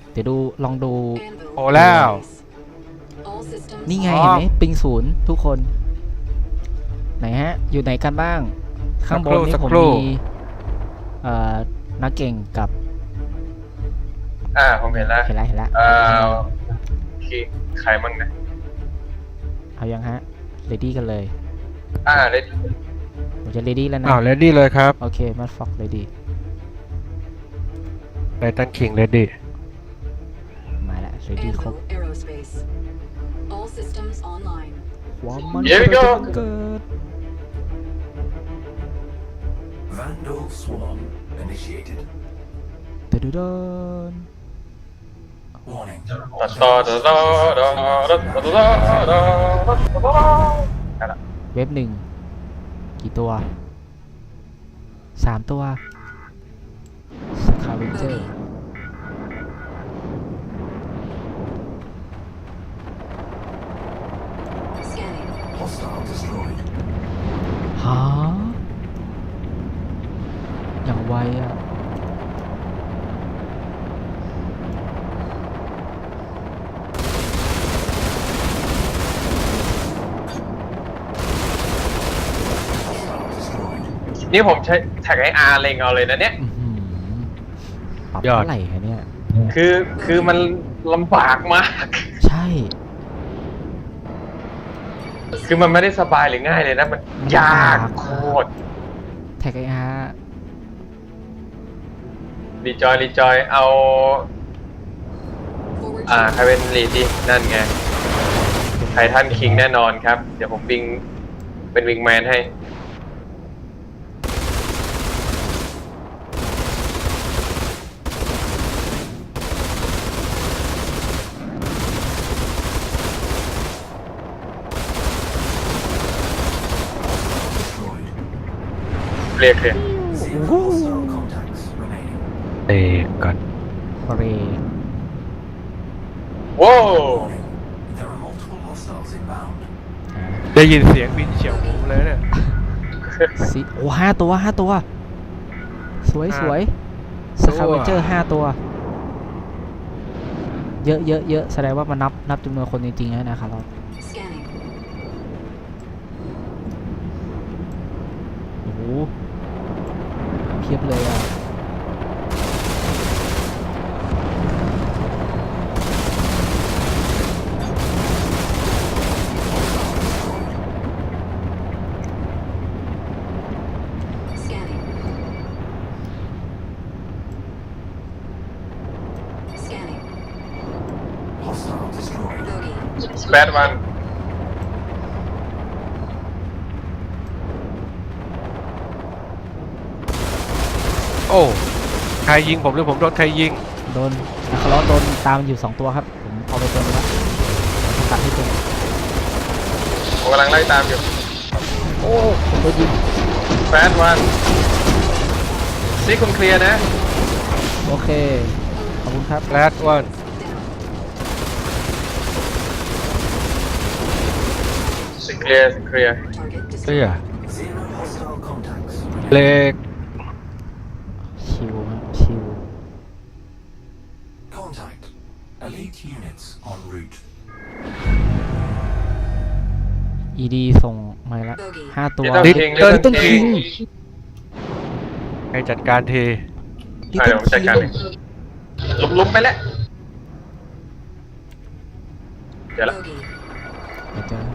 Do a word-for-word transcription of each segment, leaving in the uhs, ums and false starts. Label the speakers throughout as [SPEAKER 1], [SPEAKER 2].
[SPEAKER 1] เดี๋ยวดูลองดู
[SPEAKER 2] โอ้แล้ว
[SPEAKER 1] นี่ไงเห็นไหมปิงศูนย์ทุกคนไหนฮะอยู่ไหนกันบ้างข้างบนนี่ผมมีเอ่อนักเก่งกับ
[SPEAKER 3] อ่าผมเห็นแล้ว
[SPEAKER 1] เห็นแล้วเห็นแล้ว
[SPEAKER 3] เอ่อคิงใครมั่งนะ
[SPEAKER 1] เอายังฮะเรดี้กันเลย
[SPEAKER 3] อ่าเลย
[SPEAKER 1] ผมจะเรดี้แล้วนะ
[SPEAKER 2] อ้าวเรดดี้เลยครับ
[SPEAKER 1] โอเคมัดฟอกเรดี้
[SPEAKER 2] ไททันคิงเรดดี้
[SPEAKER 1] มาแล้วเรดี้ครบความมัน
[SPEAKER 3] Here we go
[SPEAKER 1] เกิด
[SPEAKER 4] Vandal swarm initiated.
[SPEAKER 1] เดินเดิน
[SPEAKER 4] Warning.
[SPEAKER 3] ตัดต่อตัดต่อตัดต่อตัดต่อตัดต่อตัดต่อนั่นแหละ
[SPEAKER 1] เว็บหนึ่งกี่ตัวสามตัวสคาเวนเจอร์
[SPEAKER 4] Hostile destroyed.
[SPEAKER 1] ฮะอย่างไวอ่ะ
[SPEAKER 4] Hostile destroyed.
[SPEAKER 3] นี่ผมใช้แท็กไออาร์เล็งเอาเลยนะเนี่ย
[SPEAKER 1] อื้อหือปรับ
[SPEAKER 2] ยอด
[SPEAKER 1] เท่าไหร่ฮะเนี่ย
[SPEAKER 3] คือคือมันลำบากมาก
[SPEAKER 1] ใช่
[SPEAKER 3] คือมันไม่ได้สบายหรือง่ายเลยนะ มันยากโคตร
[SPEAKER 1] แท็กไออาร์
[SPEAKER 3] รีจอยรีจอยเอาอ่าใครเป็นลีดดินั่นไงไททันคิงแน่นอนครับ เดี๋ยวผมวิงเป็นวิงแมนให้
[SPEAKER 4] Destroyed.
[SPEAKER 3] เรียกเลย
[SPEAKER 4] Zero hostile contacts remaining.
[SPEAKER 2] เตะก่อน
[SPEAKER 1] เร
[SPEAKER 3] ว้าว
[SPEAKER 4] Warning. There are multiple hostiles inbound.
[SPEAKER 2] ได้ยินเสียงบินเฉียวหูเลยเนี่ย
[SPEAKER 1] สิโอ้ห้าตัวห้าตัว สวยสวยสคาเวนเจอร์ห้าตัว เยอะเยอะเยอะแสดงว่ามันนับนับจำนวนคนจริงๆนะครับเราโอ้โหเพียบเลยอ่ะ
[SPEAKER 4] Hostile destroyed.
[SPEAKER 3] สเปดวัน
[SPEAKER 2] โอ้ใครยิงผมหรือผมโดนใครยิง
[SPEAKER 1] โดนนะครับเราโดนตามอยู่สองตัวครับ ผมเอาไปตัวนึงแล้วผมตัดให้ตัวนึง
[SPEAKER 3] ผมกำลังไล่ตามอยู่
[SPEAKER 1] โอ้ผมโดนยิง
[SPEAKER 3] สเปดวันซีคุณเคลียร์นะ
[SPEAKER 1] โอเค ขอบคุณครับ
[SPEAKER 2] แรดวัน
[SPEAKER 3] ซีเคลียร์ซีเคลียร์
[SPEAKER 2] เสื้อ
[SPEAKER 4] Zero hostile contacts
[SPEAKER 2] เล็ก
[SPEAKER 1] ชิวครับชิว
[SPEAKER 4] Contact. Elite units en route.
[SPEAKER 1] อีดีส่งมาแล้วห้าตัว
[SPEAKER 3] ลิตเติ้ลคิงลิตเติ้ล
[SPEAKER 1] Little
[SPEAKER 3] คิง
[SPEAKER 1] King
[SPEAKER 2] ให้จัดการที
[SPEAKER 1] ลิ
[SPEAKER 3] อ่ะ
[SPEAKER 1] ต
[SPEAKER 3] เดี๋ยวผมจัดการเองลุมๆไปแล้วเดี๋ยวละ
[SPEAKER 1] เดี๋ยวเจอ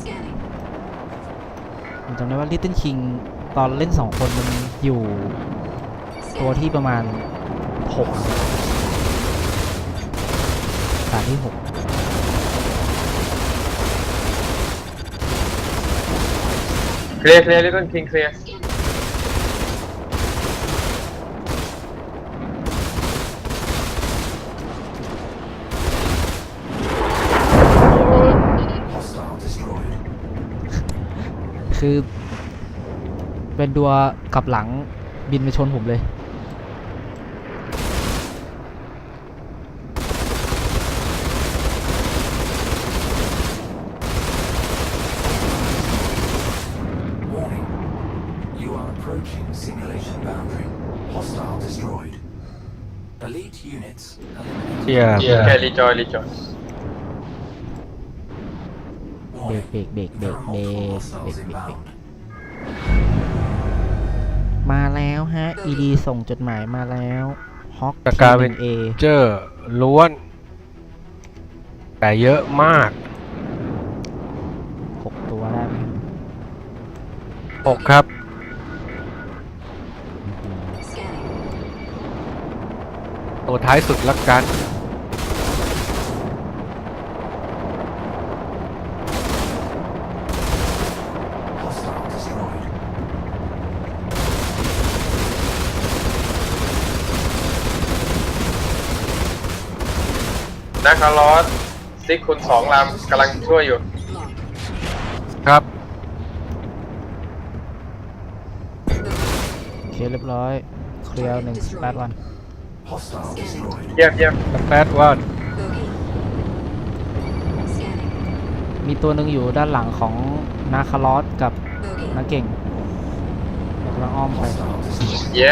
[SPEAKER 1] ผมจำได้ว่า Little King ตอนเล่นสองคนมันอยู่ตัวที่ประมาณหกตาที่หก
[SPEAKER 3] เคลียร์เคลียร์ลิตเติ้ลคิงเคลียร์
[SPEAKER 4] Hostile destroyed.
[SPEAKER 1] คือเป็นดัวกลับหลังบินไปชนผมเลย
[SPEAKER 4] Warning. You are approaching simulation boundary. Hostile destroyed. Elite units
[SPEAKER 2] เชียร์
[SPEAKER 3] แค่รีจอยรีจอย
[SPEAKER 1] เบร
[SPEAKER 4] Warning.
[SPEAKER 1] กเบรกเบรกเบร
[SPEAKER 4] There
[SPEAKER 1] ก
[SPEAKER 4] are
[SPEAKER 1] เบร
[SPEAKER 4] multiple
[SPEAKER 1] กเบร
[SPEAKER 4] hostiles
[SPEAKER 1] กเบรกเบรก
[SPEAKER 4] inbound.
[SPEAKER 1] มาแล้วฮะ อี ดี ส่งจดหมายมาแล้วฮอก
[SPEAKER 2] สกาเวน
[SPEAKER 1] เอ
[SPEAKER 2] เจอร์ล้วน แต่เยอะมาก
[SPEAKER 1] หกตัวได้ไหม
[SPEAKER 2] หกครับ ตัวท้ายสุดละกัน
[SPEAKER 4] Hostile destroyed.
[SPEAKER 3] นาคาลอสซิกคุณสองลำกำลังช่วยอยู่
[SPEAKER 2] ครับ
[SPEAKER 1] โอเคเรียบร้อย เคลียร์หนึ่งแปดวัน
[SPEAKER 4] Hostile destroyed.
[SPEAKER 3] เยี่ยมเยี่ยม
[SPEAKER 2] แปดวัน
[SPEAKER 1] มีตัวหนึ่งอยู่ด้านหลังของนาคาลอสกับนาเก่งเรากำลังอ้อมไป
[SPEAKER 4] Hostile destroyed.
[SPEAKER 3] เย้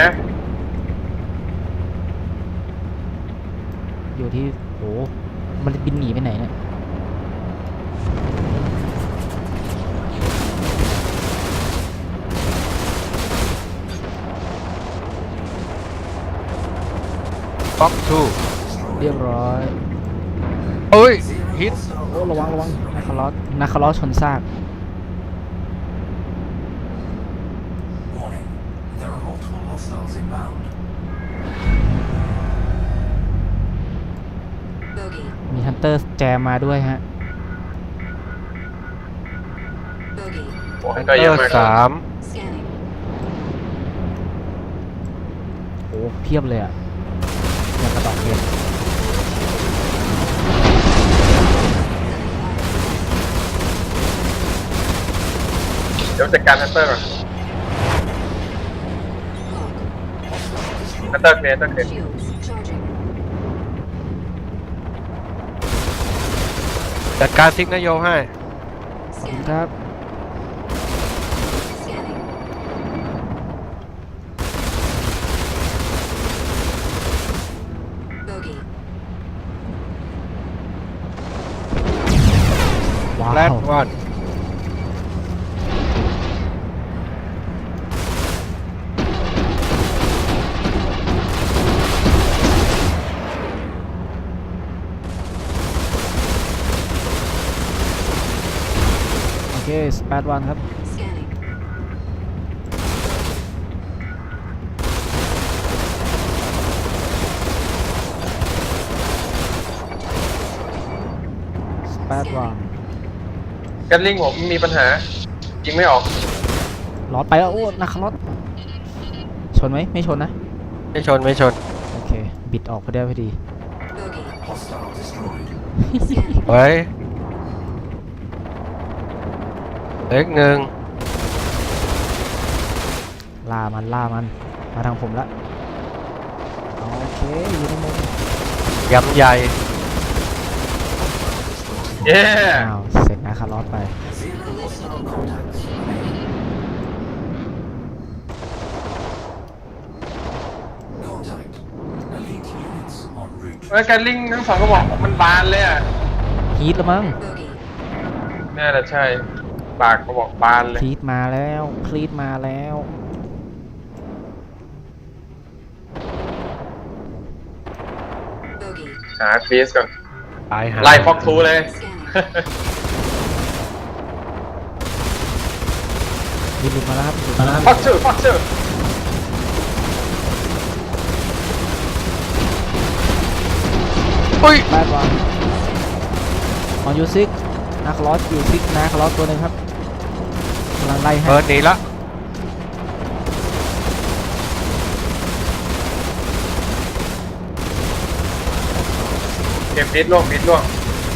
[SPEAKER 1] อยู่ที่โหมันบินหนีไปไหนเนี่ย
[SPEAKER 2] บ็อกทู
[SPEAKER 1] เรียบร้อย
[SPEAKER 2] เอ้ย ฮิต
[SPEAKER 1] โอ้ระวังระวังนาคาลอสนาคาลอสชนซาก
[SPEAKER 4] Warning. There are multiple hostiles inbound.
[SPEAKER 1] มีฮันเตอร์แจมมาด้วยฮะ
[SPEAKER 3] โอ้ย
[SPEAKER 2] ฮัน
[SPEAKER 3] ก็
[SPEAKER 2] เต
[SPEAKER 3] เย
[SPEAKER 2] อ
[SPEAKER 3] อะ
[SPEAKER 2] ร์
[SPEAKER 3] มาก
[SPEAKER 2] สาม
[SPEAKER 1] โอ้เพียบเลยอะอย่างกระดอกเห็ด
[SPEAKER 3] เดี๋ยวจัดการฮันเตอร์ก่อนฮันเตอร์เคลียร์ฮันเตอร์เคลียร์
[SPEAKER 2] จัดการซิกนโยให้
[SPEAKER 1] ขอบคุณครับ ว้า
[SPEAKER 2] แรด
[SPEAKER 1] ว
[SPEAKER 2] วัน
[SPEAKER 1] โอเคสแปดวันครับ สแปดวัน
[SPEAKER 3] กันลิงผมมีปัญหายิงไม่ออก
[SPEAKER 1] ลอดไปแล้ว โอ้นาคาลอสชนไหม ไม่ชนนะ
[SPEAKER 2] ไม่ชน ไม่ชน
[SPEAKER 1] โอเค บิดออกพอดีพอดี
[SPEAKER 4] Hostile destroyed.
[SPEAKER 2] ไว้เล็กหนึ่ง
[SPEAKER 1] ล่ามันล่ามัน มาทางผมละ โอเค อยู่ในมุม
[SPEAKER 2] ยำใหญ่
[SPEAKER 3] เย้
[SPEAKER 1] อ้าว เสร็จนาคาลอสไป
[SPEAKER 4] Zero hostile contacts. Contact. Elite units en route.
[SPEAKER 3] เฮ้ยกันลิงทั้งสองกระบอกมันบานเลยอ่ะ
[SPEAKER 1] ฮีทแล้วมั้ง
[SPEAKER 3] น่าจะใช่ ปากกระบอกบานเลย
[SPEAKER 1] คลีดมาแล้วคลีดมาแล้ว
[SPEAKER 3] หาคลีสก่อน
[SPEAKER 2] ตายหา
[SPEAKER 3] ไล่ฟ็อกทูเลย
[SPEAKER 1] บินหลุดมาแล้วครับหลุดมาแล้ว
[SPEAKER 3] ฟ็อกทูฟ็อกทู
[SPEAKER 2] อุ้ย
[SPEAKER 1] แปดวันออนยูซิกนาคาลอสอยู่ซิกนาคาลอสตัวหนึ่งครับกำลังไล่ให้
[SPEAKER 2] เบิร์นหนีละ
[SPEAKER 3] เก็บมิดล่วงมิดล่วง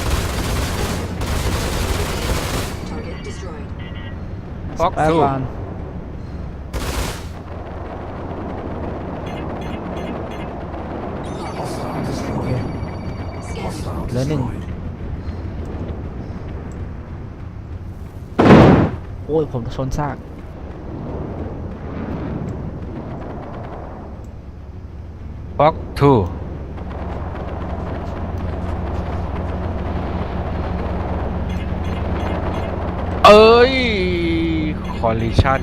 [SPEAKER 2] ฟ็อก
[SPEAKER 1] แปด
[SPEAKER 2] ทู
[SPEAKER 1] วัน
[SPEAKER 4] Hostile destroyed. Hostile
[SPEAKER 1] เหลือหนึ่ง
[SPEAKER 4] destroyed.
[SPEAKER 1] โอ้ยผมชนซาก
[SPEAKER 2] ฟ็อกทู collision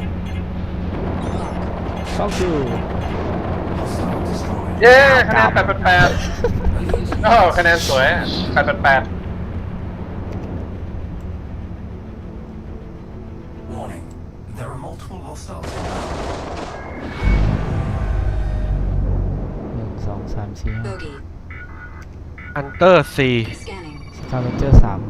[SPEAKER 1] fuck you
[SPEAKER 4] Hostile destroyed.
[SPEAKER 3] เย้คะแนนแปดแปดแปดโอ้คะแนนสวยแปดแปดแปด
[SPEAKER 4] Warning. There are multiple hostiles.
[SPEAKER 1] หนึ่งสองสามสี่ห้า
[SPEAKER 5] Bogey.
[SPEAKER 2] Hunter สี่
[SPEAKER 5] Scanning.
[SPEAKER 1] สกาเวนเจอร์สาม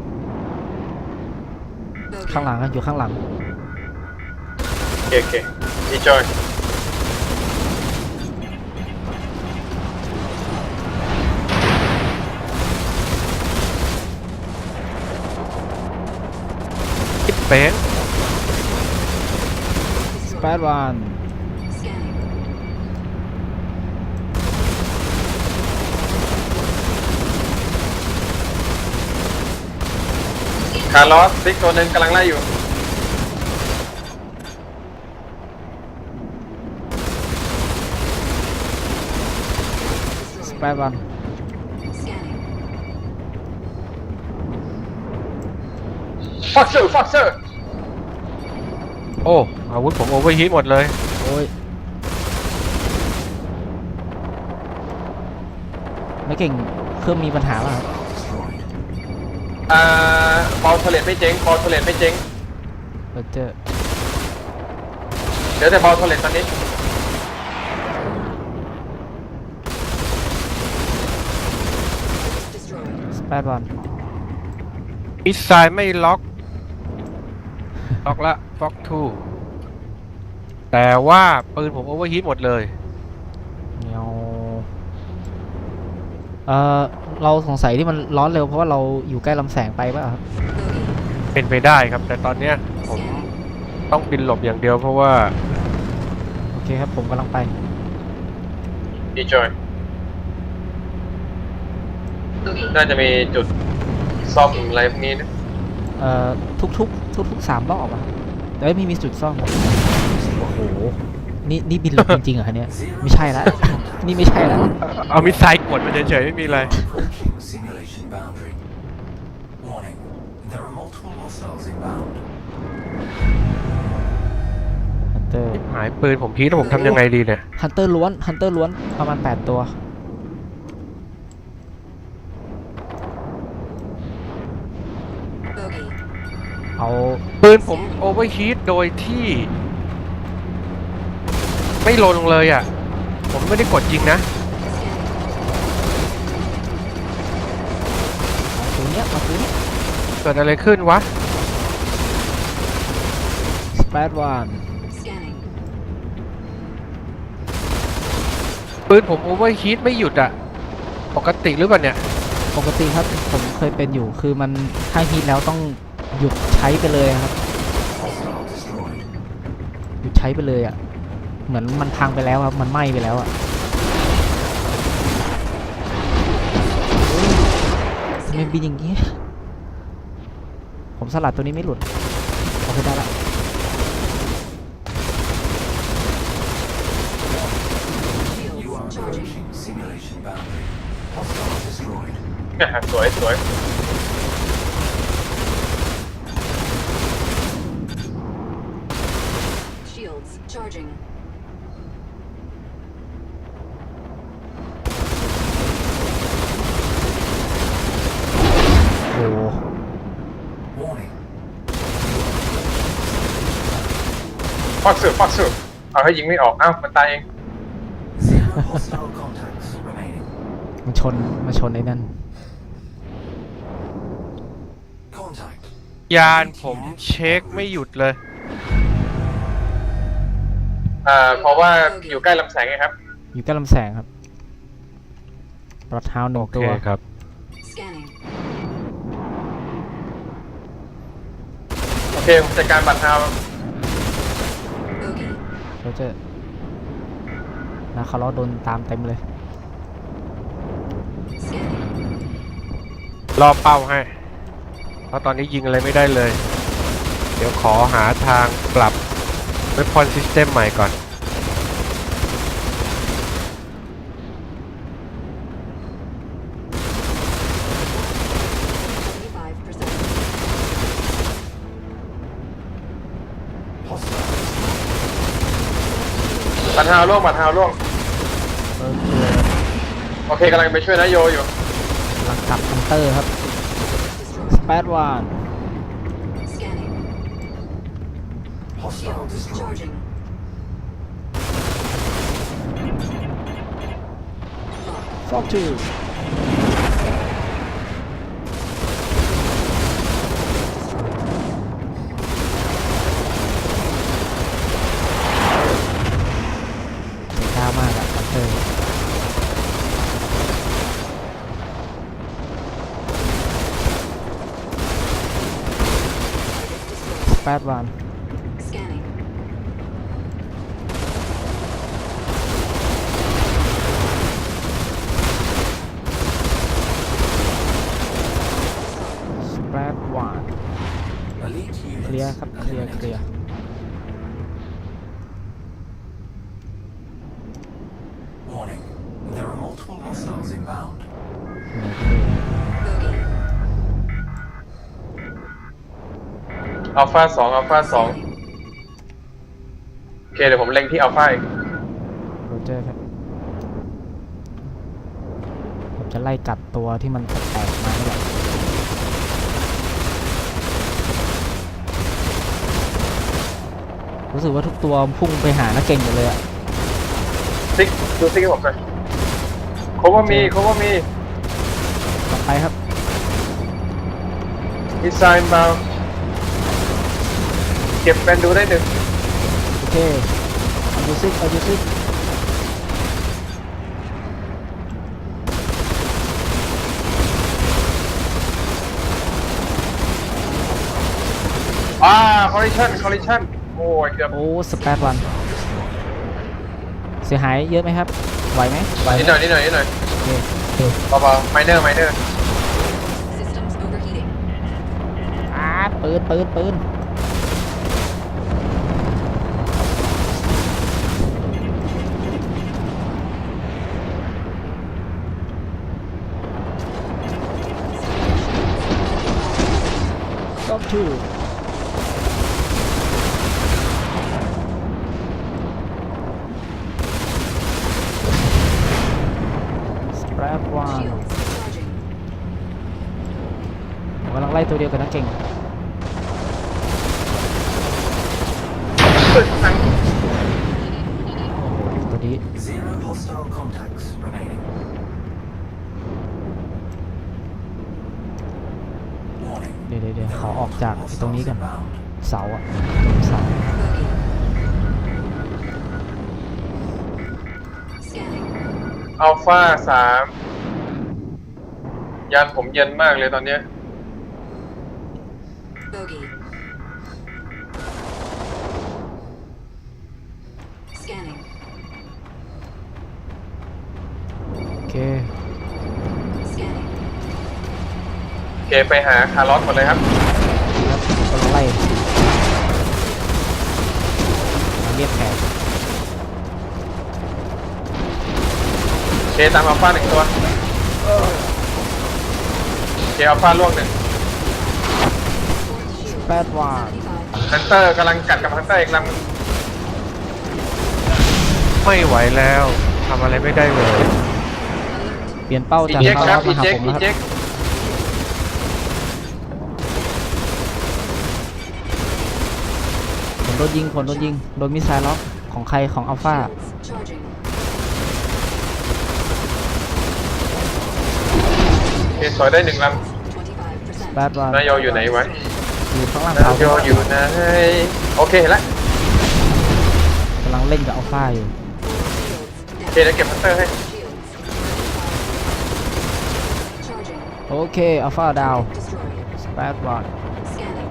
[SPEAKER 5] Bogey.
[SPEAKER 1] ข้างหลังอะอยู่ข้างหลัง
[SPEAKER 3] โอเคโอเคดีจอย
[SPEAKER 2] คิดเป็น
[SPEAKER 1] สเปดวัน
[SPEAKER 5] Scanning.
[SPEAKER 3] คาร์ลอสซิกตัวหนึ่งกำลังไล่อยู่
[SPEAKER 1] สเปดวัน
[SPEAKER 5] Scanning.
[SPEAKER 3] ฟ็อกเซอร์ฟ็อกเซอร์
[SPEAKER 2] โอ้อาวุธผมโอเวอร์ฮีทหมดเลย
[SPEAKER 1] โอ้ยไม่เก่งเครื่องมีปัญหาป่ะครับ
[SPEAKER 4] Destroyed.
[SPEAKER 3] อ่าบอลเทเลตไม่เจ๊งบอลเทเลตไม่เจ๊ง
[SPEAKER 1] เบอร์เจอร์
[SPEAKER 3] เหลือแต่บอลเทเลตตอนนี้
[SPEAKER 5] Destroyed.
[SPEAKER 1] สเปดวัน
[SPEAKER 2] มิสไซล์ไม่ล็อก ล็อกละฟ็อกทูแต่ว่าปืนผมโอเวอร์ฮีทหมดเลย
[SPEAKER 1] เนียวเอ่อเราสงสัยที่มันร้อนเร็วเพราะว่าเราอยู่ใกล้ลำแสงไปป่ะครับ
[SPEAKER 5] Bogey.
[SPEAKER 2] เป็นไปได้ครับ แต่ตอนเนี้ยผม
[SPEAKER 5] Scanning.
[SPEAKER 2] ต้องบินหลบอย่างเดียวเพราะว่า
[SPEAKER 1] โอเคครับผมกำลังไป
[SPEAKER 3] ดีจอย น่าจะมีจุดซ่อมอะไรพวกนี้นะ
[SPEAKER 1] เอ่อทุกทุกทุกทุกๆสามรอบอะครับแต่ไม่มีจุดซ่อมโอ้โหนี่นี่บินหลบจริงๆเหรอคะเนี่ยไม่ใช่ละ นี่ไม่ใช่ละ
[SPEAKER 2] เอามิสไซล์กดมันเฉยๆไม่มีอะไร
[SPEAKER 4] Approaching simulation boundary. Warning. There are multiple hostiles inbound.
[SPEAKER 1] ฮันเตอร์
[SPEAKER 2] หายปืนผมพีทแล้วผมทำยังไงดีเนี่ย
[SPEAKER 1] ฮันเตอร์ล้วนฮันเตอร์ล้วนประมาณแปดตัว
[SPEAKER 5] Bogey.
[SPEAKER 1] เอา
[SPEAKER 2] ปืนผมโอเวอร์ฮีทโดยที่ ไม่ลงเลยอ่ะ ผมไม่ได้กดยิงนะ
[SPEAKER 5] Scanning.
[SPEAKER 1] ตัวเนี้ยมาตัวเนี้ย
[SPEAKER 2] เกิดอะไรขึ้นวะ
[SPEAKER 1] สเปดวัน
[SPEAKER 5] Scanning.
[SPEAKER 2] ปืนผมโอเวอร์ฮีทไม่หยุดอ่ะ ปกติหรือเปล่าเนี่ย
[SPEAKER 1] ปกติครับผมเคยเป็นอยู่คือมันถ้าฮีทแล้วต้องหยุดใช้ไปเลยครับ
[SPEAKER 4] Hostile destroyed.
[SPEAKER 1] หยุดใช้ไปเลยอ่ะเหมือนมันพังไปแล้วครับมันไหม้ไปแล้วอ่ะทำไมบินอย่างงี้ผมสลัดตัวนี้ไม่หลุดโอเคได้ละ
[SPEAKER 4] You are
[SPEAKER 5] Shields charging.
[SPEAKER 4] approaching simulation boundary. Hostile destroyed.
[SPEAKER 3] สวยสวย
[SPEAKER 5] Shields charging.
[SPEAKER 1] โอ้โห
[SPEAKER 4] Warning.
[SPEAKER 3] ฟ็อกเซอร์ฟ็อกเซอร์เอาให้ยิงไม่ออก เอ้ามันตายเอง
[SPEAKER 4] Zero hostile contacts remaining.
[SPEAKER 1] มันชนมาชนไอ้นั่น
[SPEAKER 4] Contact.
[SPEAKER 2] ยานผมเช็คไม่หยุดเลย
[SPEAKER 3] อ่า เพราะว่าอยู่ใกล้ลำแสงไงครับ
[SPEAKER 1] อยู่ใกล้ลำแสงครับปลอดเท้าหนึ่
[SPEAKER 2] โอง เค
[SPEAKER 1] ตัว
[SPEAKER 2] ครับ
[SPEAKER 5] Scanning.
[SPEAKER 3] โอเคผมจัดการบัตรเท้า
[SPEAKER 5] Bogey.
[SPEAKER 1] เราจะนะเขาล้อโดนตามเต็มเลย
[SPEAKER 5] Scanning.
[SPEAKER 2] รอเป้าให้ เพราะตอนนี้ยิงอะไรไม่ได้เลย เดี๋ยวขอหาทางปรับ Weapon System ใหม่ก่อน
[SPEAKER 5] seventy-five percent.
[SPEAKER 4] Hostile
[SPEAKER 3] บัตรฮาวล่วงบัตรฮาวล่วง
[SPEAKER 1] โอเค
[SPEAKER 3] โอเคกำลังไปช่วยนายโยอยู่
[SPEAKER 1] กำลังกลับฮันเตอร์ครับ
[SPEAKER 5] Destroyed.
[SPEAKER 1] สเปซวัน
[SPEAKER 5] Scanning.
[SPEAKER 4] Hostile
[SPEAKER 5] Shields
[SPEAKER 4] destroyed.
[SPEAKER 5] charging. Locked.
[SPEAKER 1] ฟอกทูเสียก้าวมากอะฮันเตอร์สเปซวัน
[SPEAKER 5] Scanning.
[SPEAKER 1] Spread one
[SPEAKER 4] Elite
[SPEAKER 1] เคลียร์
[SPEAKER 4] units
[SPEAKER 1] ครับเคลียร์เคลียร์
[SPEAKER 4] Warning. There are multiple hostiles inbound.
[SPEAKER 5] Bogey.
[SPEAKER 3] อัลฟาสองอัลฟาสองโอเคเดี๋ยวผมเล็งที่อัลฟาอีก
[SPEAKER 1] โรเจอร์ครับ ผมจะไล่กัดตัวที่มันแตกมานี่แหละรู้สึกว่าทุกตัวพุ่งไปหานักเก่งหมดเลยอะ
[SPEAKER 3] ซิกดูซิกให้ผมหน่อยโคว่ามีโคว่ามี
[SPEAKER 1] ต่อไปครับ
[SPEAKER 3] ดีไซน์มาเก็บเป็นดูได้หนึ่ง
[SPEAKER 1] โอเคเอาดูซิเอาดูซิ
[SPEAKER 3] อ่าคอลลิชันคอลลิชันโอ้ยเกือบ
[SPEAKER 1] โอ้สเปซวันเสียหายเยอะไหมครับ ไหวไหมไหว
[SPEAKER 3] นิดหน่อยนิดหน่อยนิดหน่อย
[SPEAKER 1] โอเคโอเค
[SPEAKER 3] เบาๆไมเนอร์ไมเนอร์
[SPEAKER 5] Systems overheating.
[SPEAKER 1] อ่าปืนปืนปืนต้องชื่อสเปรดวัน
[SPEAKER 5] Shields charging.
[SPEAKER 1] ผมกำลังไล่ตัวเดียวกับนักเก่ง ตัวนี้
[SPEAKER 4] Zero hostile contacts remaining. Warning.
[SPEAKER 1] เดี๋ยวเดี๋ยวเดี๋ยวขอออกจากไอ้ตรงนี้กัน
[SPEAKER 4] Inbound.
[SPEAKER 1] เสาอะเสา
[SPEAKER 5] Bogey. Scanning.
[SPEAKER 3] อัลฟาสามยานผมเย็นมากเลยตอนเนี้ย
[SPEAKER 5] Bogey. Scanning.
[SPEAKER 1] โอเค
[SPEAKER 5] Scanning.
[SPEAKER 3] โอเคไปหาคาร์ลอสหมดเลยครับ
[SPEAKER 1] แล้วผมกำลังไล่มาเรียกแขก
[SPEAKER 3] โอเคตามอัลฟาหนึ่งตัวโอเคอัลฟาล่วงหนึ่ง
[SPEAKER 1] แปดวา
[SPEAKER 5] seventy-five.
[SPEAKER 3] ฮันเตอร์กำลังกัดกับฮันเตอร์อีกลำ
[SPEAKER 2] ไม่ไหวแล้วทำอะไรไม่ได้เลย
[SPEAKER 1] เปลี่ยนเป้า
[SPEAKER 3] อี
[SPEAKER 1] จาก
[SPEAKER 3] เจ็ก
[SPEAKER 1] คา
[SPEAKER 3] ค
[SPEAKER 1] ร์ล
[SPEAKER 3] รั
[SPEAKER 1] อบ ส
[SPEAKER 3] อี
[SPEAKER 1] มาหา
[SPEAKER 3] เจ็ก
[SPEAKER 1] ผม
[SPEAKER 3] อี
[SPEAKER 1] แล้วค
[SPEAKER 3] เจ็
[SPEAKER 1] รับ
[SPEAKER 3] ก
[SPEAKER 1] ผมโดนยิงผมโดนยิงโดนมิสไซล์ล็อกของใครของอัลฟา
[SPEAKER 5] Shields charging.
[SPEAKER 3] โอเคสวยได้หนึ่งล
[SPEAKER 5] twenty-five percent.
[SPEAKER 1] แปดวา
[SPEAKER 3] ำนายโยอยู่ไหนวะ
[SPEAKER 1] อยู่ข้างล่าง
[SPEAKER 3] นา
[SPEAKER 1] เสาย
[SPEAKER 3] โยอยู่ไหนโอเคเห็นละ
[SPEAKER 1] กำลังเล่นกับอัลฟาอยู่
[SPEAKER 3] โอเคเดี๋ยวเก็บฮันเตอร์ให้
[SPEAKER 5] Shields. Charging.
[SPEAKER 1] โอเคอัลฟาดาว
[SPEAKER 5] Destroyed.
[SPEAKER 1] แปดวา
[SPEAKER 5] Scanning.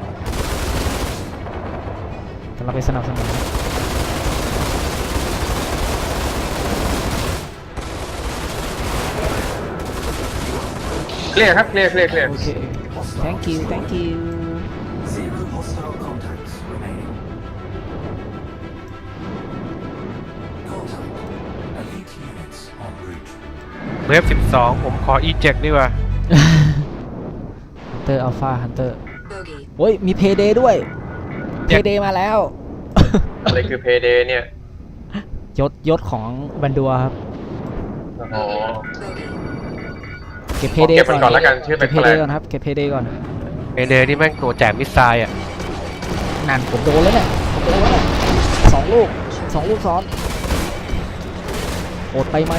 [SPEAKER 1] กำลังไปสนับสนุน
[SPEAKER 3] เคลียร์ครับเคลียร์เคลียร์เคลียร์
[SPEAKER 1] โอเค thank you thank you
[SPEAKER 4] Zero hostile contacts remaining. Contact. Elite units en route.
[SPEAKER 2] เวฟสิบสองผมขอ eject ดีกว่า
[SPEAKER 1] ฮันเตอร์อัลฟาฮันเตอร์
[SPEAKER 5] Bogey.
[SPEAKER 1] โอ้ยมีเพย์เดย์ด้วยเพย์เดย์มาแล้ว
[SPEAKER 3] อะไรคือเพย์เดย์เนี่ย
[SPEAKER 1] ยศยศของบันดัวครับ
[SPEAKER 3] โอ้โห
[SPEAKER 5] Bogey.
[SPEAKER 1] เก็บเพ
[SPEAKER 3] ผม
[SPEAKER 1] เด
[SPEAKER 3] เก็บมันก่อนแล้วกันชื่อ
[SPEAKER 1] เก็บเพ
[SPEAKER 3] แปล
[SPEAKER 1] เด
[SPEAKER 3] กๆ
[SPEAKER 1] ก่อนครับเก็บเพเดก่อน
[SPEAKER 2] เอเดนี่แม่งตัวแจกมิสไซล์อ่ะ
[SPEAKER 1] นั่นผมโดนแล้วเนี่ยผมโดนแล้วเนี่ยสองลูกสองลูกซ้อนโอดไปไหม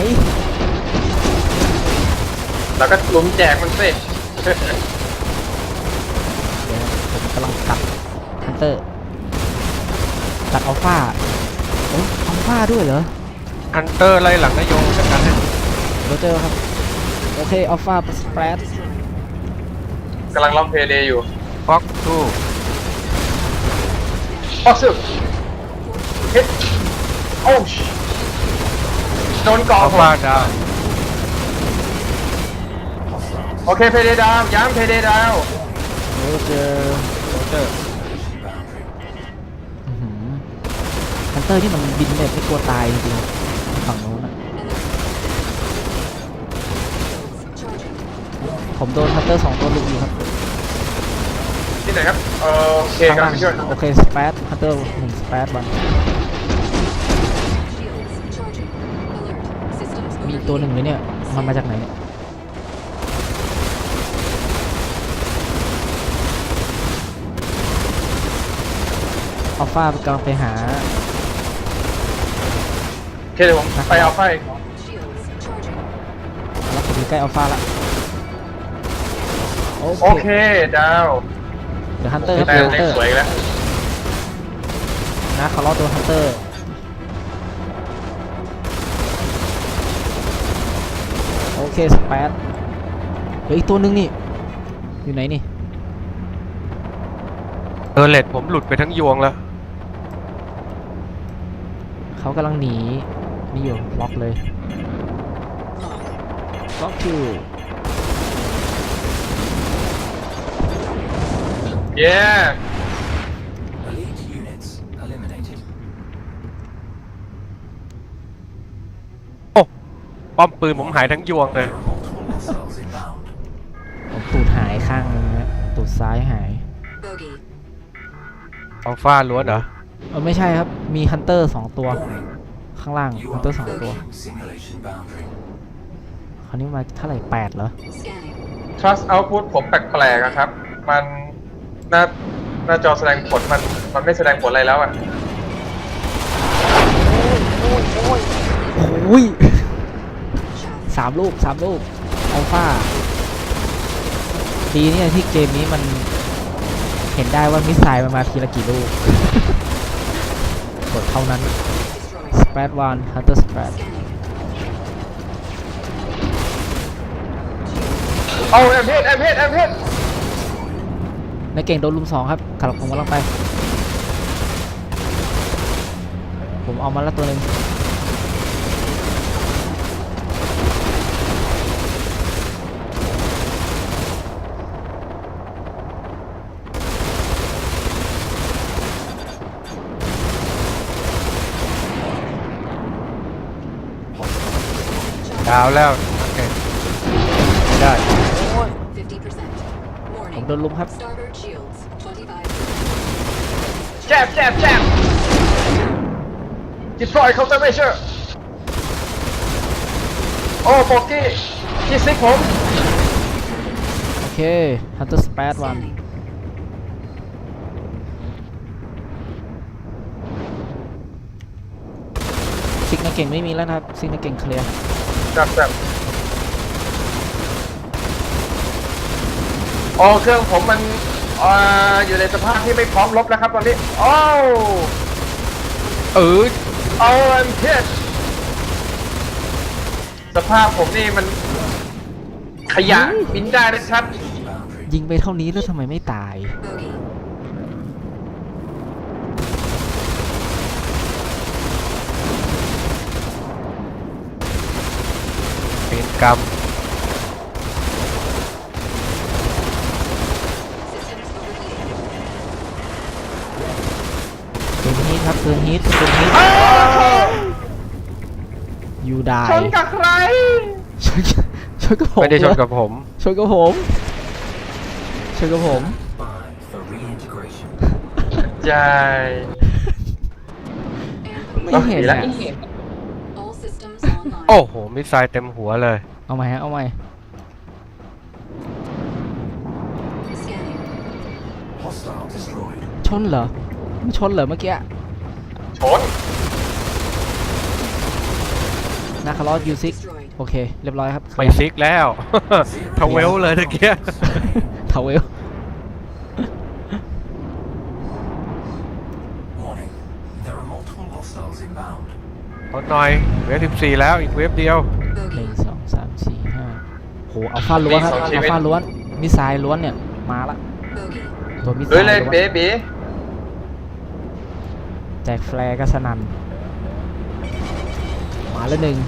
[SPEAKER 3] แล้วก็ลุ้มแจกมันสิ
[SPEAKER 1] เดี๋ยวผมกำลังตัดฮันเตอร์ตัดอัลฟาโอ้ยอัลฟาด้วยเหรอ
[SPEAKER 2] ฮันเตอร์ไล่หลังนายโยงจากการให้
[SPEAKER 1] โรเจอร์ครับโอเคอัลฟาสเปรด
[SPEAKER 3] กำลังล็อกเพย์เดย์อยู่
[SPEAKER 2] ฟ็อกทู
[SPEAKER 3] ออกซึฮิตโอ้ชโดนเกาะ
[SPEAKER 2] อัล
[SPEAKER 3] ผม
[SPEAKER 2] ฟาดาว
[SPEAKER 3] โอเคเพย์เดย์ดาวย้ำเพย์เดย์ดาว
[SPEAKER 1] โรเจอร์
[SPEAKER 2] โรเจอร์
[SPEAKER 1] ฮันเตอร์นี่มันบินแบบไม่กลัวตายจริงๆฝั่งโน้นอะผมโดนฮันเตอร์สองตัวลุกอยู่ครับ
[SPEAKER 3] ที่ไหนครับเออโอเค
[SPEAKER 1] ข้าง
[SPEAKER 3] กำลั
[SPEAKER 1] ล่าง ง
[SPEAKER 3] ไปช่วย
[SPEAKER 1] โอเคสเปซฮันเตอร์หนึ่งสเปซบัน
[SPEAKER 5] Shields charging. Alert. Systems
[SPEAKER 1] มีอีกตัวหนึ่งเลยเนี่ยมันมาจากไหนเนี่ยอัลฟากำลังไปหา
[SPEAKER 3] โอเคเดี๋ยวผมไปเอาไฟ
[SPEAKER 5] Shields charging.
[SPEAKER 1] แล้วผมอยู่ใกล้อัลฟาละโอ
[SPEAKER 3] โอ
[SPEAKER 1] เค
[SPEAKER 3] เคดาว
[SPEAKER 1] เดี๋ยวฮันเตอร์ครับ
[SPEAKER 3] แต่
[SPEAKER 1] เดี๋ยวฮัน
[SPEAKER 3] เล็ก
[SPEAKER 1] เตอร์
[SPEAKER 3] สวยอีกแล้ว
[SPEAKER 1] นะเขาล้อตัวฮันเตอร์โอเคสเปซเดี๋ยวอีกตัวหนึงนี่อยู่ไหนนี่
[SPEAKER 2] เออเลดผมหลุดไปทั้งยวงแล้ว
[SPEAKER 1] เขากำลังหนีนี่อยู่ล็อกเลยล็อกคิว
[SPEAKER 3] เย้
[SPEAKER 4] Elite units eliminated.
[SPEAKER 2] โอ้ป้อมปืนผมหายทั้งยวงเลย
[SPEAKER 4] There are multiple hostiles inbound.
[SPEAKER 1] ผมตูดหายข้างนึงนะตูดซ้ายหาย
[SPEAKER 5] Bogey.
[SPEAKER 2] อัลฟาล้วนเหรอ
[SPEAKER 1] เออไม่ใช่ครับมีฮันเตอร์สองตัว
[SPEAKER 4] Warning.
[SPEAKER 1] ข้างล่าง
[SPEAKER 4] You
[SPEAKER 1] ฮัน
[SPEAKER 4] are
[SPEAKER 1] เตอร์สองตัว
[SPEAKER 4] approaching simulation boundary.
[SPEAKER 1] คราวนี้มาเท่าไหร่แปดเหรอ
[SPEAKER 5] Scanning.
[SPEAKER 3] trust output ผมแปลกๆอะครับ มันหน้าหน้าจอแสดงผลมันมันไม่แสดงผลอะไรแล้วอะ
[SPEAKER 1] โอ้ยสามลูกสามลูกอัลฟาดีเนี่ยที่เกมนี้มันเห็นได้ว่ามิสไซล์มันมาทีละกี่ลูก กดเท่านั้น
[SPEAKER 5] Destroyed.
[SPEAKER 1] สเปซวันฮันเตอร์สเปซ
[SPEAKER 5] Scanning.
[SPEAKER 3] เอาแอมเพชแอมเพชแอมเพช
[SPEAKER 1] นายเก่งโดนลุมสองครับขับผมกำลังไป ผมเอามาแล้วตัวหนึ่ง
[SPEAKER 2] ดาวแล้วโอเคไม่ได้
[SPEAKER 5] fifty percent.
[SPEAKER 1] ผม
[SPEAKER 5] Warning.
[SPEAKER 1] โดนลุมครับ
[SPEAKER 5] Starboard shields. twenty-five.
[SPEAKER 3] แจบแจบแจบ deploy counter measure โอ้โบกี้ที่ซิกผม
[SPEAKER 1] โอเคฮันเตอร์สเปซวัน
[SPEAKER 5] Scanning.
[SPEAKER 1] ซิกนายเก่งไม่มีแล้วนะครับซิกนายเก่งเคลียร์
[SPEAKER 3] จับจับโอ้เครื่องผมมันอ่าอยู่ในสภาพที่ไม่พร้อมรบแล้วครับตอนนี้โอ้
[SPEAKER 2] เออ
[SPEAKER 3] เอาแอมเพชสภาพผมนี่มันขยะบินได้นะครับ
[SPEAKER 4] Boundary.
[SPEAKER 1] ยิงไปเท่านี้แล้วทำไมไม่ตาย
[SPEAKER 5] Bogey.
[SPEAKER 2] เป็นกรรม
[SPEAKER 5] Systems overheating.
[SPEAKER 1] เกินฮิตครับเกินฮิตเกินฮิตยูได้
[SPEAKER 3] ชนกับใคร
[SPEAKER 1] ชนชนกับผม
[SPEAKER 2] ไม่ได้ชนกับผม
[SPEAKER 1] ชนกับผมชนกับผม
[SPEAKER 4] Five for reintegration.
[SPEAKER 3] ใช่
[SPEAKER 1] ไม่เห็น
[SPEAKER 3] ดีละ
[SPEAKER 1] อ่ะ
[SPEAKER 5] line.
[SPEAKER 2] โอ้โหมิสไซล์เต็มหัวเลย
[SPEAKER 1] เอาใหม่ฮะเอาใหม่
[SPEAKER 5] Scanning.
[SPEAKER 4] Hostile destroyed.
[SPEAKER 1] ชนเหรอไม่ชนเหรอเมื่อกี้
[SPEAKER 3] ชน
[SPEAKER 1] นาคาร์ลอสยูซิก
[SPEAKER 5] Destroyed.
[SPEAKER 1] โอเคเรียบร้อยครับ
[SPEAKER 2] ไปซิกแล้ว ทเวลเลยตะเกีย
[SPEAKER 1] ทาวเวล
[SPEAKER 4] Warning. There are multiple hostiles inbound.
[SPEAKER 2] ทดหน่อยเวฟสิบสี่แล้วอีกเวฟเดียว
[SPEAKER 1] หนึ่ง
[SPEAKER 5] Bogey.
[SPEAKER 1] สองสามสี่ห้าโหอัลฟาล้วนครับ
[SPEAKER 3] มีสองชี
[SPEAKER 1] อั
[SPEAKER 3] วิ
[SPEAKER 1] ล
[SPEAKER 3] ต
[SPEAKER 1] ฟาล้วนมิสไซล์ล้วนเนี่ยมาละ
[SPEAKER 5] Bogey.
[SPEAKER 1] ตัวมิสไซ
[SPEAKER 3] เฮ้ย
[SPEAKER 1] ล์
[SPEAKER 3] เลย
[SPEAKER 1] ล้วน
[SPEAKER 3] เบบี
[SPEAKER 1] แจกแฟร์ก็สนันมาแล้วหนึ่ง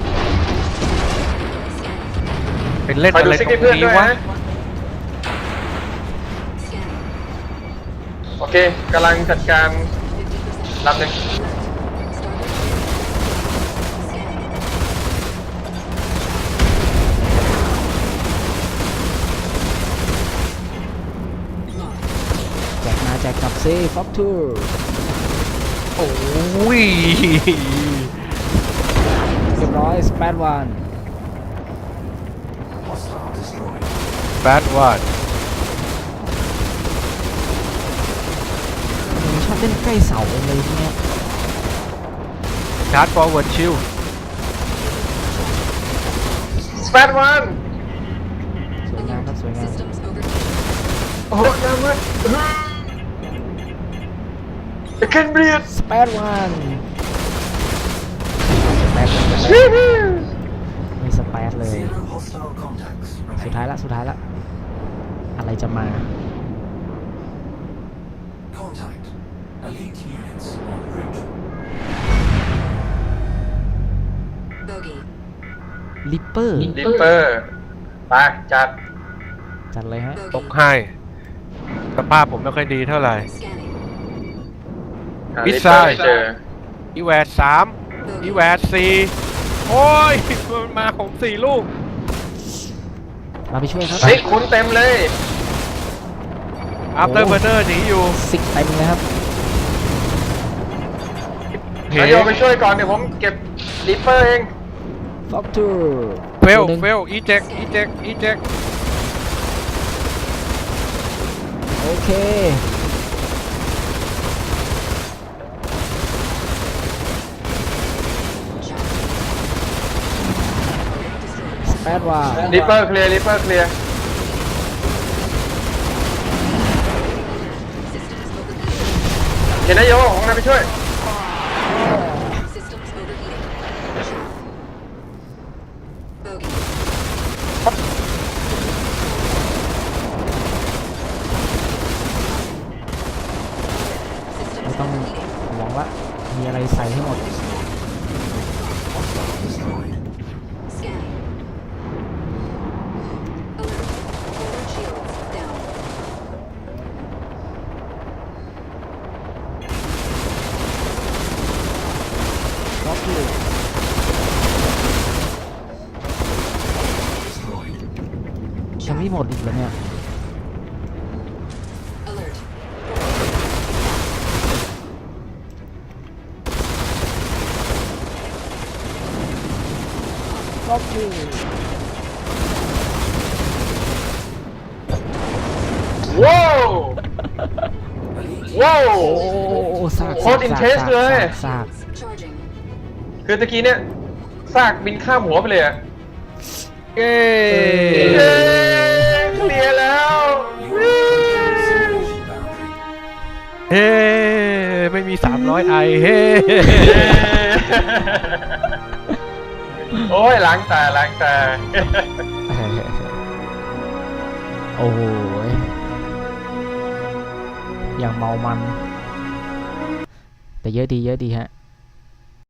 [SPEAKER 5] Scanning.
[SPEAKER 2] เป็นเล่น
[SPEAKER 3] คอย
[SPEAKER 2] อะ
[SPEAKER 3] ดู
[SPEAKER 2] ไร
[SPEAKER 3] ซิก
[SPEAKER 2] ตร
[SPEAKER 3] ให้
[SPEAKER 2] ง
[SPEAKER 3] เพื่อน
[SPEAKER 2] นี้
[SPEAKER 3] ด้วย
[SPEAKER 2] วะ
[SPEAKER 3] นะ
[SPEAKER 5] Scanning.
[SPEAKER 3] โอเคกำลังจัดการ
[SPEAKER 5] fifty percent.
[SPEAKER 3] ลำหนึ่ง
[SPEAKER 5] Starboard. Scanning. Locked.
[SPEAKER 1] แจกมาแจกกลับซิฟ็อกทู
[SPEAKER 2] โอ้ย
[SPEAKER 1] เรียบร้อยสเปดวัน
[SPEAKER 4] Hostile destroyed.
[SPEAKER 2] แบดวัน
[SPEAKER 1] ชอบเล่นใกล้เสาเลยทีเนี้ย
[SPEAKER 2] ชาร์จฟอร์เวิร์ดชิล
[SPEAKER 3] สเปดวัน
[SPEAKER 1] สวยงามครับสวยงาม
[SPEAKER 5] Systems overheating.
[SPEAKER 3] โอ้โหน้ำมันเคนเบียด
[SPEAKER 1] สเปดวันสเปดไม่สเปดเลย
[SPEAKER 4] Zero hostile contacts
[SPEAKER 1] สุด
[SPEAKER 4] remain.
[SPEAKER 1] ท้ายละสุดท้ายละอะไรจะมา
[SPEAKER 4] Contact. Elite units en route.
[SPEAKER 5] Bogey.
[SPEAKER 1] ลิปเปอร์
[SPEAKER 3] ลิปเปอร์ไปจัด
[SPEAKER 1] จัดเลยฮะ
[SPEAKER 2] ตก
[SPEAKER 5] Bogey.
[SPEAKER 2] ให้สภาพผมไม่ค่อยดีเท่าไหร่
[SPEAKER 5] Scanning.
[SPEAKER 3] หา
[SPEAKER 2] มิส
[SPEAKER 3] ลิป
[SPEAKER 2] ไซ
[SPEAKER 3] เปอ
[SPEAKER 2] ล์
[SPEAKER 3] ร์ไม่เจอ
[SPEAKER 2] อีแวดสามอีแวดสี่โอ้ยมันมาของสี่ลูก
[SPEAKER 1] มาไปช่วยครับ
[SPEAKER 3] ซิกคุณเต็มเลย
[SPEAKER 2] อัพเตอร์เบอร์เนอร์หนีอยู่
[SPEAKER 1] ซิกเต็มเลยครับ
[SPEAKER 2] เฮ้
[SPEAKER 3] นายโยไปช่วยก่อนเดี๋ยวผมเก็บลิปเปอร์เอง
[SPEAKER 1] ฟ็อกทู
[SPEAKER 2] เฟลเฟลอีเจ็กอีเจ็กอีเจ็ก
[SPEAKER 1] โอเค สเปดวัน
[SPEAKER 3] ลิปเปอร์เคลียร์ลิปเปอร์เคลียร์
[SPEAKER 5] Systems overheating.
[SPEAKER 3] เห็นนายโยของนายไปช่วย
[SPEAKER 5] Systems overheating. Bogey.
[SPEAKER 1] ไม่
[SPEAKER 5] Systems
[SPEAKER 1] ต้อง
[SPEAKER 5] overheating.
[SPEAKER 1] ห่วงละมีอะไรใส่ให้หมด
[SPEAKER 4] Hostile destroyed.
[SPEAKER 5] Scanning. Alert. Forward shields down.
[SPEAKER 1] ฟ็อกทู
[SPEAKER 4] Destroyed.
[SPEAKER 1] ยังไม่หมดอีกเหรอเนี่ย
[SPEAKER 5] Alert.
[SPEAKER 1] ฟ็อกทู
[SPEAKER 3] ว้าว
[SPEAKER 4] Elite
[SPEAKER 3] ว้าว
[SPEAKER 1] โอ้ซาก
[SPEAKER 3] โคตร intense เลย
[SPEAKER 1] ซาก
[SPEAKER 5] Charging.
[SPEAKER 3] คือตะกี้เนี่ยซากบินข้ามหัวไปเลยอะ
[SPEAKER 2] เย้
[SPEAKER 3] เย้เคลียร์แล้ว
[SPEAKER 4] simulation boundary.
[SPEAKER 2] เฮ้ไม่มีสามร้อยไอเฮ้
[SPEAKER 3] เย้โอ้ยล้างตาล้างตา
[SPEAKER 1] โอ้โหอย่างเมามัน แต่เยอะดีเยอะดีฮะ